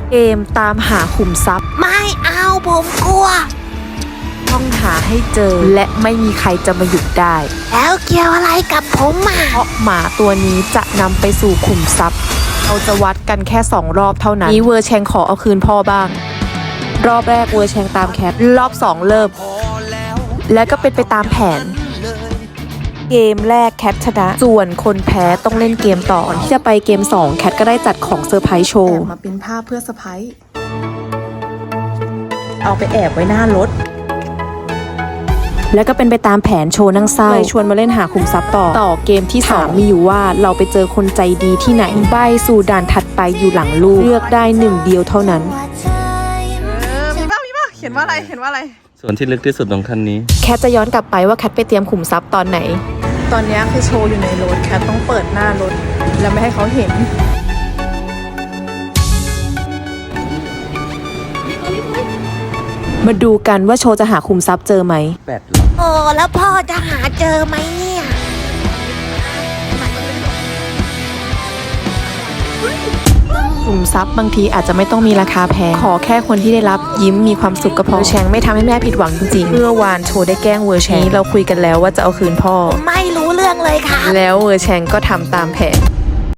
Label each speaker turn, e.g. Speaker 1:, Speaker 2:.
Speaker 1: เกมตามหาขุมทรัพย์
Speaker 2: ไม่เอาผมกลัว
Speaker 1: ต้องหาให้เจอและไม่มีใครจะมาหยุดได้
Speaker 2: แล้วเกี่ยวอะไรกับผมอ่ะ
Speaker 1: เพราะหมาตัวนี้จะนำไปสู่ขุมทรัพย์เราจะวัดกันแค่2 รอบเท่านั้นนี้เวอร์แชงขอเอาคืนพ่อบ้างรอบแรกเวอร์แชงตามแคทรอบ2เริ่มแล้วก็เป็นไปตามแผนเกมแรกแคทชนะส่วนคนแพ้ต้องเล่นเกมต่อที่จะไปเกม2แคทก็ได้จัดของเซอร์ไพรส์โชว์
Speaker 3: มาเป็นภาพเพื่อเซอร์ไพรส์เอาไปแอบไว้หน้ารถ
Speaker 1: แล้วก็เป็นไปตามแผนโชว์นั่งเศร้าเลยชวนมาเล่นหาขุมทรัพย์ต่อเกมที่3มีอยู่ว่าเราไปเจอคนใจดีที่ไหนใบสู่ด่านถัดไปอยู่หลังลูกเลือกได้1เดียวเท่านั้น
Speaker 3: มีป่ะเขียนว่าอะไร
Speaker 4: ส่วนที่ลึกที่สุดของคันนี้
Speaker 1: แคทจะย้อนกลับไปว่าแคทไปเตรียมขุมทรัพย์ตอนไหน
Speaker 3: ตอนนี้คือโชว์อยู่ในรถแคทต้องเปิดหน้ารถแล้วไม่ให้เขาเห็น
Speaker 1: มาดูกันว่าโชว์จะหาขุมทรัพย์เจอไหม
Speaker 2: โอ้แล้วพ่อจะหาเจอไหมเนี่ย
Speaker 1: ขุมทรัพย์บางทีอาจจะไม่ต้องมีราคาแพงขอแค่คนที่ได้รับยิ้มมีความสุขก็พอเวอร์แชงไม่ทำให้แม่ผิดหวังจริงๆเมื่อวานโชว์ได้แกล้งเวอร์แชงเราคุยกันแล้วว่าจะเอาคืนพ่อ
Speaker 2: ไม่รู้เรื่องเลยค่ะ
Speaker 1: แล้วเวอร์แชงก็ทำตามแผน